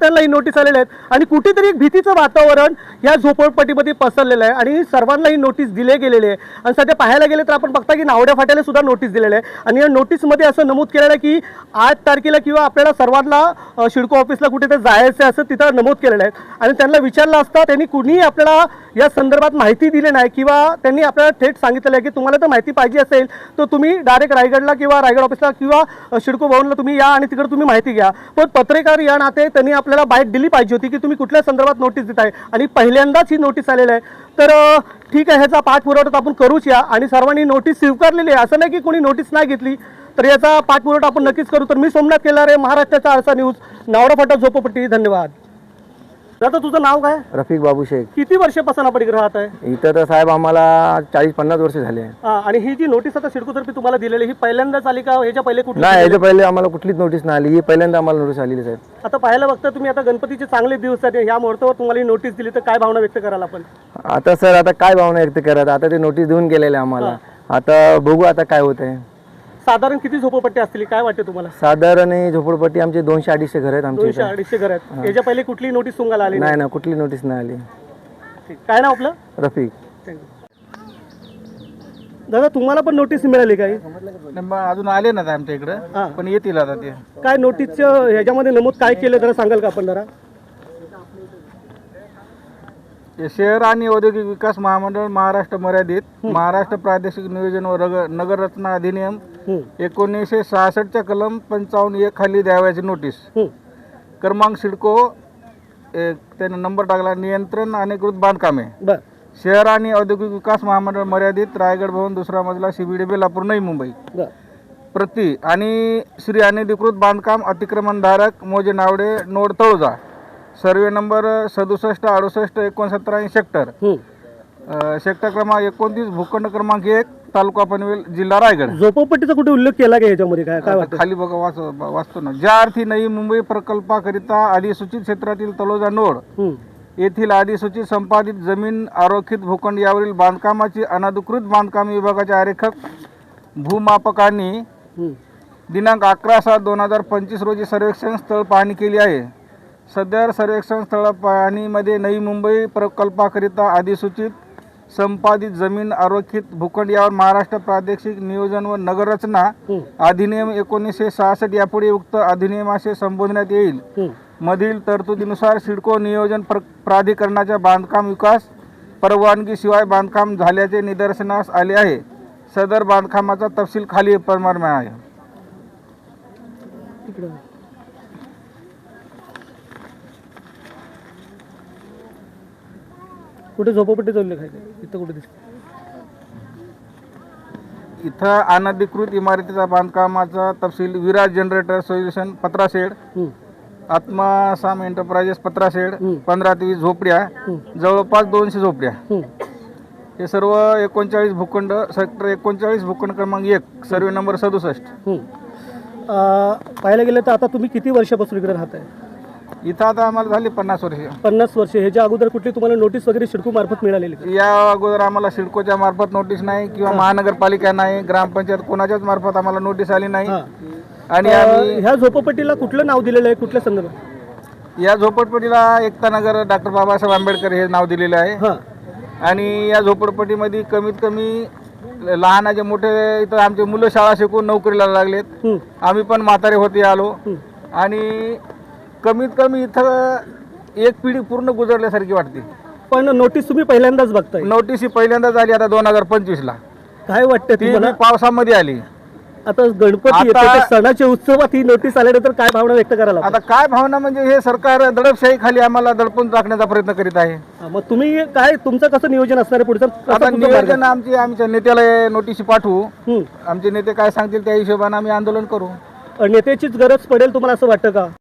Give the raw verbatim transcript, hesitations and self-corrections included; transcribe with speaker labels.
Speaker 1: त्यांना ही नोटीस आलेल्या आहेत आणि कुठेतरी एक भीतीचं वातावरण या झोपडपट्टीमध्ये पसरलेलं आहे आणि सर्वांना ही नोटीस दिले गेलेली आहे. आणि सध्या पाहायला गेले तर आपण बघता की नावड्या फाट्याला सुद्धा नोटीस दिलेली आहे आणि या नोटीसमध्ये असं नमूद केलेलं आहे की आठ तारखेला किंवा आपल्याला सर्वांना अ, सिडको ऑफिसला कुठे जायचं आहे असं तिथं नमूद केलेलं आहे. आणि त्यांना विचारलं असता त्यांनी कुणीही आपल्याला या संदर्भात माहिती दिली नाही किंवा त्यांनी आपल्याला थेट सांगितलेलं आहे की तुम्हाला तर माहिती पाहिजे असेल तर तुम्ही डायरेक्ट रायगडला किंवा रायगड ऑफिसला किंवा अ, सिडको भवनला तुम्ही या आणि तिकडे तुम्ही माहिती घ्या. पण पत्रकार या नाते त्यांनी आपल्याला बाईट दिली पाहिजे होती की तुम्ही कुठल्या संदर्भात नोटीस देताय आणि पहिल्यांदाच ही नोटीस आलेली आहे. तर अ, ठीक आहे, ह्याचा पाठपुरावा आपण करूच या आणि सर्वांनी नोटीस स्वीकारलेली आहे. असं नाही की कोणी नोटीस नाही घेतली. तर याचा पाठपुरावा आपण नक्कीच करू. तर मी सोमनाथ केलारे, महाराष्ट्राचा आरसा न्यूज, नावडा फाटा झोपडपट्टी. धन्यवाद. दादा तुझं नाव काय?
Speaker 2: रफिक बाबू शेख.
Speaker 1: किती वर्षापासून आपण इकडे राहत आहे?
Speaker 2: इथं तर साहेब आम्हाला चाळीस पन्नास वर्ष झाले.
Speaker 1: हा, आणि ही जी नोटीस आता सिडकोतर्फे तुम्हाला दिलेली ही पहिल्यांदाच आली का ह्याच्या पहिले कुठली?
Speaker 2: नाही, याच्या पहिले आम्हाला कुठलीच नोटीस नाही आली. ही पहिल्यांदा आम्हाला नोटीस आलेली साहेब.
Speaker 1: आता पाहायला बघता तुम्ही आता गणपतीचे चांगले दिवस आहेत, ह्या मुहूर्तावर तुम्हाला ही नोटीस दिली तर काय भावना व्यक्त कराल आपण?
Speaker 2: आता सर आता काय भावना व्यक्त करत, आता ते नोटीस देऊन गेलेले आम्हाला. आता बघू आता काय होत आहे.
Speaker 1: साधारण किती झोपडपट्टी असतील काय वाटते तुम्हाला?
Speaker 2: साधारण ही झोपडपट्टी आमचे दोनशे अडीचशे घर आहेत आमचे.
Speaker 1: दोनशे अडीचशे घर आहेत. याच्या पहिले कुठली नोटीस तुम्हाला आली
Speaker 2: नाही ना, कुठली नोटीस नाही आली.
Speaker 1: ठीक. काय नाव आपलं?
Speaker 2: रफिक.
Speaker 1: दादा तुम्हाला पण नोटीस मिळाली काही?
Speaker 3: अजून आले ना आमच्या इकडे, पण येतील आता ते.
Speaker 1: काय नोटीसचं ह्याच्यामध्ये नमूद काय केलं जरा सांगाल का आपण जरा?
Speaker 3: हे शहर आणि औद्योगिक विकास महामंडळ महाराष्ट्र मर्यादित महाराष्ट्र प्रादेशिक नियोजन व रग- नगर रचना अधिनियम एकोणीसशे सहासष्टच्या कलम पंचावन्न एक खाली द्यावयाची नोटीस. क्रमांक सिडको एक त्याने नंबर टाकला, नियंत्रण अधिकृत बांधकामे,
Speaker 1: बर.
Speaker 3: शहर आणि औद्योगिक विकास महामंडळ मर्यादित, रायगड भवन, दुसरा मजला, सीबीडी बेलापूर, नवी मुंबई.
Speaker 1: बर.
Speaker 3: प्रति आणि श्री अनधिकृत बांधकाम अतिक्रमणधारक मोजे Navade, node Taloja, survey number सदुसष्ट अडुसष्ट एकोणसत्तर आणि सेक्टर अ, सेक्टर क्रमांक एकोणतीस, भूखंड क्रमांक एक, तालुका पनवेल, जिल्हा रायगड.
Speaker 1: झोपडपट्टीचा कुठे उल्लेख केला का याच्यामध्ये? काय काय वाटतं?
Speaker 3: खाली बघा, वाच वाचतो ना. ज्या अर्थी नवी मुंबई प्रकल्पाकरिता अधिसूचित क्षेत्रातील तलोजा नोड येथील अधिसूचित संपादित जमीन आरोखित भूखंड यावरील बांधकामाची अनधिकृत बांधकाम विभागाच्या आरेखक भूमापकांनी दिनांक अकरा सात दोन हजार पंचवीस रोजी सर्वेक्षण स्थळ पाहणी केली आहे. सदर सर्वेक्षण स्थळ पाहणीमध्ये नवी मुंबई प्रकल्पाकरिता अधिसूचित संपादित जमीन आरोखित भूखंड यावर महाराष्ट्र प्रादेशिक नियोजन व नगररचना अधिनियम एकोणीसशे सहासष्ट यापुढे उक्त अधिनियमाशी संबोधण्यात येईल मधील तरतुदीनुसार सिडको नियोजन प्र प्राधिकरणाच्या बांधकाम विकास परवानगीशिवाय बांधकाम झाल्याचे निदर्शनास आले आहे. सदर बांधकामाचा तपशील खाली प्रमाणे आहे.
Speaker 1: कुठे झोपडपट्टीचा उल्लेख आहे? इथं कुठे दिसतं?
Speaker 3: इथं अनधिकृत इमारतीचा बांधकामाचा तपशील विराज जनरेटर सोल्युशन पत्राशेड, आत्मासाम एंटरप्राइजेस पत्राशेड, पंधरा ते वीस झोपड्या, जवळपास दोनशे झोपड्या. हे सर्व एकोणचाळीस भूखंड, सेक्टर एकोणचाळीस, भूखंड क्रमांक एक, सर्वे नंबर सदुसष्ट.
Speaker 1: पाहायला गेलं तर आता तुम्ही किती वर्षापासून इकडे राहताय?
Speaker 3: इथं आता आम्हाला झाली पन्नास वर्ष.
Speaker 1: पन्नास वर्ष. ह्याच्या अगोदर कुठली तुम्हाला नोटीस वगैरे सिडको मार्फत मिळालेली का?
Speaker 3: या अगोदर आम्हाला सिडकोच्या मार्फत नोटीस नाही किंवा महानगरपालिका नाही, ग्रामपंचायत कोणाच्याच मार्फत आम्हाला नोटीस आली नाही. आणि आम्ही
Speaker 1: ह्या झोपडपट्टीला कुठलं नाव दिलेलं आहे, कुठल्या संदर्भात?
Speaker 3: या झोपडपट्टीला एकता नगर डॉक्टर बाबासाहेब आंबेडकर हे नाव दिलेलं आहे. आणि या झोपडपट्टीमध्ये कमीत कमी लहानाचे मोठे इथं आमचे मुलं शाळा शिकून नोकरीला लागलेत. आम्ही पण म्हातारे होते आलो आणि कमीत कमी इथं एक पिढी पूर्ण गुजरल्यासारखी वाटते.
Speaker 1: पण नोटीस तुम्ही पहिल्यांदाच बघताय?
Speaker 3: नोटीस ही पहिल्यांदाच आली आता दोन हजार पंचवीस ला.
Speaker 1: काय वाटतं
Speaker 3: ती
Speaker 1: तुम्हाला?
Speaker 3: पावसामध्ये आली.
Speaker 1: आता गणपती येतो तर सणाच्या उत्सवात ही नोटीस आल्यानंतर काय भावना व्यक्त करायला?
Speaker 3: आता काय भावना म्हणजे हे सरकार दडपशाही खाली आम्हाला दडपून टाकण्याचा प्रयत्न करीत आहे.
Speaker 1: मग तुम्ही काय तुमचं कसं नियोजन असणार आहे पुढचं?
Speaker 3: आता नियोजन आमची आमच्या नेत्याला नोटीस पाठवू. आमचे नेते काय सांगतील त्या हिशोबाने आम्ही आंदोलन करू.
Speaker 1: नेत्याचीच गरज पडेल तुम्हाला असं वाटतं का?